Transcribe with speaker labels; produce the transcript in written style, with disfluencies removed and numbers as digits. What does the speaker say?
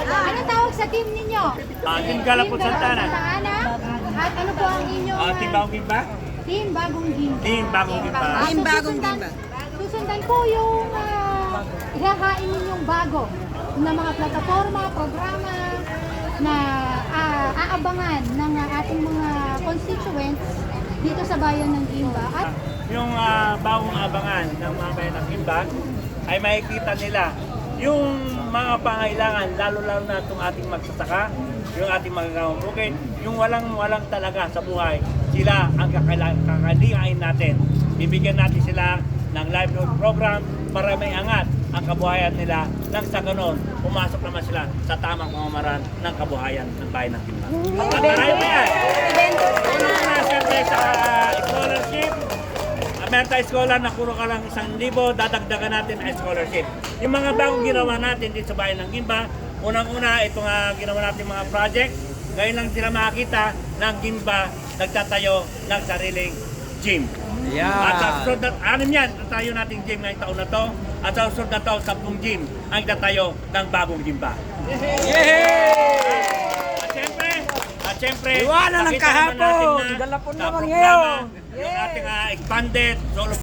Speaker 1: Ano tawag sa team ninyo?
Speaker 2: Team Galapon Santana.
Speaker 1: At ano po ang inyong
Speaker 2: Team Bagong Gimba?
Speaker 1: Team Bagong Gimba.
Speaker 2: Team Bagong Gimba.
Speaker 3: Team Bagong Gimba.
Speaker 1: Susundan po yung ihahain ninyong bago na mga plataforma, programa na aabangan ng ating mga constituents dito sa bayan ng Gimba. At
Speaker 2: Yung bagong abangan ng mga bayan ng Gimba ay makikita nila yung mga pangailangan, lalo-lalo na itong ating magsasaka, yung ating magagawang bukid, yung walang talaga sa buhay, sila ang kakalihain natin. Bibigyan natin sila ng livelihood program para may angat ang kabuhayan nila nang sa ganon, pumasok naman sila sa tamang pamamaraan ng kabuhayan ng bayan ng Gimba. At marami pa yan. Una siyempre sa scholarship, meron tayo scholar na puro ka lang 1,000, dadagdagan natin ang scholarship. Yung mga bagong ginawa natin dito sa bayan ng Gimba, unang-una itong ginawa natin mga project, ngayon lang sila makakita ng Gimba nagtatayo ng sariling gym. At sa susunod na, anim yan, tatayo nating gym ngayong taon na to. At sa susunod na to, 10 gym ang tatayo ng bagong Gimba. At syempre,
Speaker 3: Iwanan ng
Speaker 2: pakita naman
Speaker 3: kahapon,
Speaker 2: natin na
Speaker 3: Galapon
Speaker 2: sa
Speaker 3: naman
Speaker 2: programa,
Speaker 3: ngayon.
Speaker 2: yung ating expanded solo